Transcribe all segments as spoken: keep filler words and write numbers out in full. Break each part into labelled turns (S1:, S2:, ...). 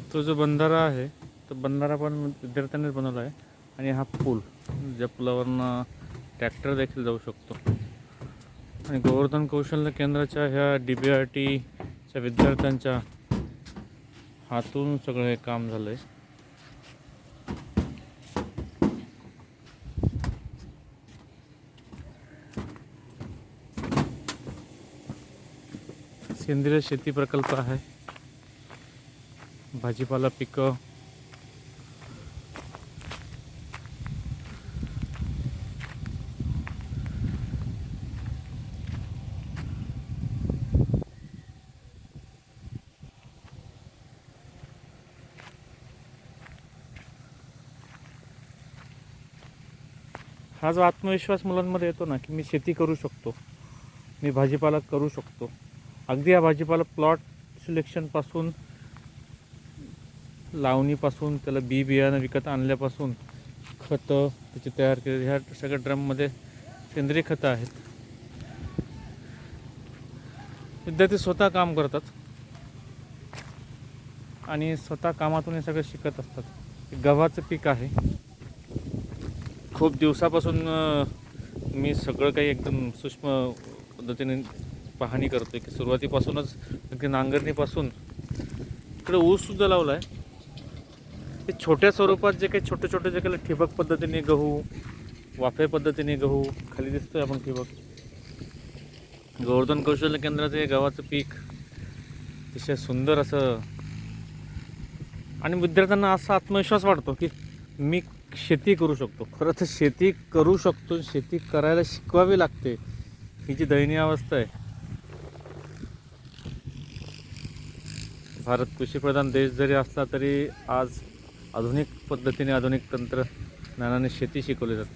S1: तो जो बंधारा आहे तो बंधारा पण विद्यार्थ्यांनीच बनवला आहे आणि हा पूल ज्या पुलावरनं ट्रॅक्टर देखील जाऊ शकतो. आणि गोवर्धन कौशल्य केंद्राच्या ह्या डी बी आर टीच्या विद्यार्थ्यांच्या हातून सगळं हे काम झालं आहे. सेंद्रिय शेती प्रकल्प आहे. भाजीपाला पिकं, हा जो आत्मविश्वास मुलांमध्ये येतो ना की मी शेती करू शकतो, मी भाजीपाला करू शकतो. अगदी हा भाजीपाला प्लॉट सिलेक्शनपासून, लावणीपासून, त्याला बी बियाणं विकत आणल्यापासून, खतं त्याचे तयार केले, ह्या सगळ्या ड्रममध्ये सेंद्रिय खतं आहेत. विद्यार्थी स्वतः काम करतात आणि स्वतः कामातून हे सगळं शिकत असतात. गव्हाचं पीक आहे. खूप दिवसापासून मी सगळं काही एकदम सूक्ष्म पद्धतीने पाहणी करतो की सुरुवातीपासूनच अगदी नांगरणीपासून इकडे ऊससुद्धा लावला आहे. ते छोट्या स्वरूपात जे काही छोटे छोटे जे काही ठिबक पद्धतीने गहू, वाफे पद्धतीने गहू, खाली दिसतोय आपण ठिबक. गोवर्धन कौशल्य केंद्राचं हे गव्हाचं पीक अतिशय सुंदर असं, आणि विद्यार्थ्यांना असा आत्मविश्वास वाटतो की मी शेती करू शकतो. खरं तर शेती करू शकतो, शेती करायला शिकवावी लागते, ही जी दयनीय अवस्था आहे. भारत कृषीप्रधान देश जरी असला तरी आज आधुनिक पद्धतीने, आधुनिक तंत्रज्ञानाने शेती शिकवली जाते.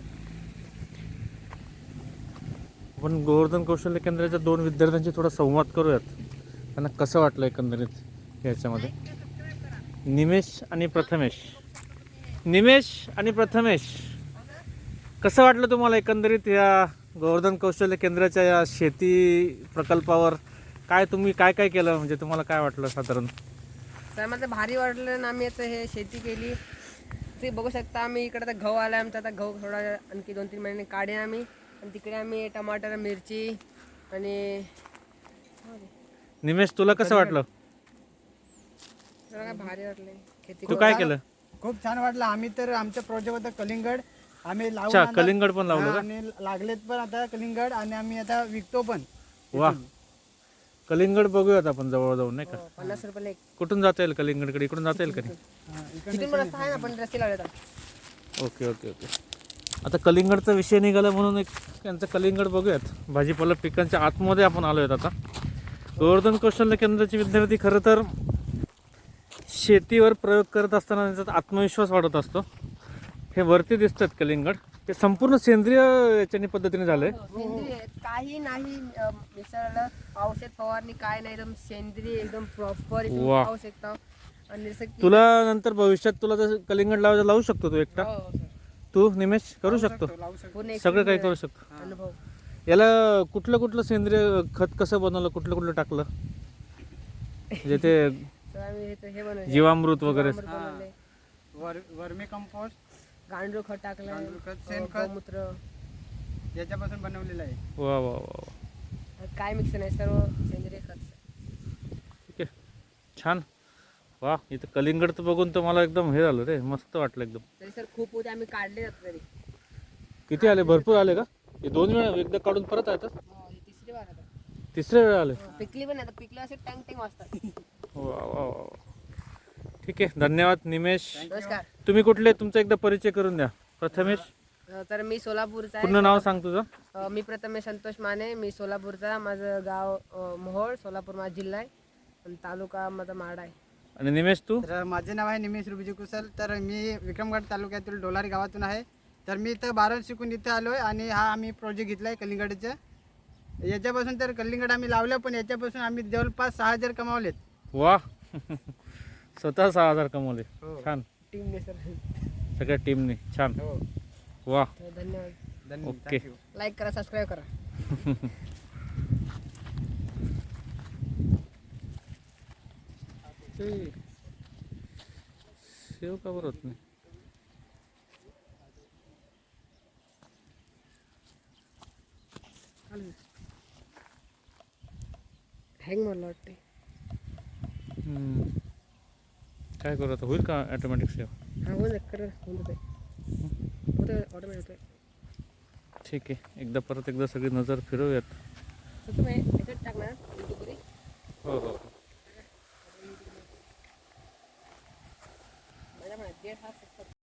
S1: आपण गोवर्धन कौशल्य केंद्राच्या दोन विद्यार्थ्यांशी थोडा संवाद करूयात. त्यांना कसं वाटलं एकंदरीत ह्याच्यामध्ये. निमेश आणि प्रथमेश, निमेश आणि प्रथमेश कसं वाटलं तुम्हाला एकंदरीत या गोवर्धन कौशल्य केंद्राच्या या शेती प्रकल्पावर? काय तुम्ही काय काय केलं, म्हणजे तुम्हाला काय वाटलं साधारण?
S2: तर मला भारी वाटलं ना. आम्ही आता हे शेती केली ते बघू शकता. आम्ही इकडे आता गहू आला आमचा. आता गहू थोडा आणखी दोन तीन महिने काढे आम्ही. आणि तिकडे आम्ही टमाटर, मिरची आणि
S1: निमेश तुला कसं वाटलं?
S2: काय भारी वाटले खेती.
S1: तू काय केलं?
S3: खूप छान वाटलं. आम्ही तर आमचं प्रोजेक्ट होतं कलिंगड. आम्ही
S1: अच्छा,
S3: लावून आता-
S1: कलिंगड पण लावलं
S3: हा,
S1: का?
S3: आणि लागलेत पण आता कलिंगड, आणि आम्ही आता विकतो पण.
S1: वा, कलिंगड बघूयात आपण जवळ जाऊन, नाही का?
S2: हो, पन्नास रुपयाला एक.
S1: कुठून जाता येईल कलिंगडकडे? इकडून जाता येईल का नाही?
S3: हा, इकडे
S2: तिथून पण रस्ता आहे ना, पण रस्ते लावले.
S1: Okay okay okay. आता कलिंगडचा विषय निघाला म्हणून एक त्यांचं कलिंगड बघूयात. भाजीपाला पिकांच्या आतमध्ये आपण आलो आहेत आता. गोवर्धन कौशल्य केंद्राचे विद्यार्थी खरं तर शेतीवर प्रयोग करत असताना त्यांचा आत्मविश्वास वाढत असतो. हे वरती दिसतात कलिंगड, हे संपूर्ण सेंद्रिय याच्याने पद्धतीने झालंय.
S2: सेंद्रिय काही नाही अं, मिसळलं, औषध फवारणी काय नाही, एकदम सेंद्रिय, एकदम प्रॉपर
S1: वा.
S2: खाऊ शकता. आणि जसं की
S1: तुला नंतर भविष्यात तुला जर कलिंगड लावायचं लावू शकतो तू एकटा.
S2: हो, sir.
S1: तू निमेश करू शकतो,
S3: लावू शकतो.
S2: पूर्ण
S1: सगळं काही करू शकतो.
S2: अनुभव.
S1: याला कुठलं कुठलं सेंद्रिय खत कसं बनवलं, कुठलं कुठलं टाकलं, म्हणजे ते
S2: तर आम्ही हे- हे बनवले.
S1: जीवामृत वगैरे?
S2: जीवामृत बनवले.
S3: वर वर्मी कंपोस्ट
S2: गांडूळ खत टाकलं,
S3: गांडूळ खत, शेणखत.
S2: गोमूत्र,
S3: याच्यापासून बनवलेलं आहे.
S1: वा वा वा वा.
S2: काय मिक्स नाही, सर्व सेंद्रिय खत.
S1: ठीक आहे, छान. वा, इथं कलिंगड तर बघून तर मला एकदम हे झालं रे, मस्त वाटलं एकदम.
S2: तरी सर खूप होते, आम्ही काढले जात तरी.
S1: किती आले? भरपूर आले का? हे दोन वेळा एकदा काढून परत आहेत?
S2: हो, हे तिसरी वार आता.
S1: तिसऱ्या वेळा आले?
S2: हो, पिकली पण नाही आता. पिकलं असे टँग टँग वाजतात.
S1: वा वा वा. ठीक आहे, धन्यवाद निमेश.
S2: नमस्कार.
S1: तुम्ही कुठले, तुमचा एकदा परिचय करून द्या. प्रथमेश,
S2: अ, तर मी सोलापूरचा
S1: पूर्ण
S2: आहे.
S1: नाव सांग तुझं.
S2: अ, मी प्रथमेश संतोष माने. मी सोलापूरचा. माझं गाव अ, मोहोळ, सोलापूर माझा जिल्हा आहे, आणि तालुका माझा माडा आहे.
S1: आणि निमेश तू?
S3: तर माझे नाव आहे निमेश रुबीजी कुशल. तर मी विक्रमगड तालुक्यातील डोलारी गावातून आहे. तर मी इथं बारावी शिकून इथे आलो आहे, आणि हा आम्ही प्रोजेक्ट घेतला आहे कलिंगडचा. याच्यापासून तर कलिंगड आम्ही लावलं, पण याच्यापासून आम्ही जवळपास सहा हजार कमावलेत.
S1: वा. स्वतः सहा हजार कमवले.
S3: हो.
S1: छान.
S2: टीमने सर.
S1: सगळ्या टीमने छान.
S3: हो,
S1: वा.
S2: धन्यवाद.
S3: धन्यवाद.
S1: ओके.
S3: Thank you.
S2: लाईक करा, सबस्क्राईब करा.
S1: सेव का बरं होत नाही?
S2: हँग मला वाटते.
S1: हम्म. काय करू आता, होईल का ॲटोमॅटिक सेव?
S2: हा होऊन जाईल, कर होऊन जाते, होतं ऑटोमॅटिक होतं.
S1: ठीक आहे, एकदा परत एकदा सगळी नजर फिरवूयात.
S2: तर तुम्ही याच्यात टाकणार युट्यूबवर.
S1: हो हो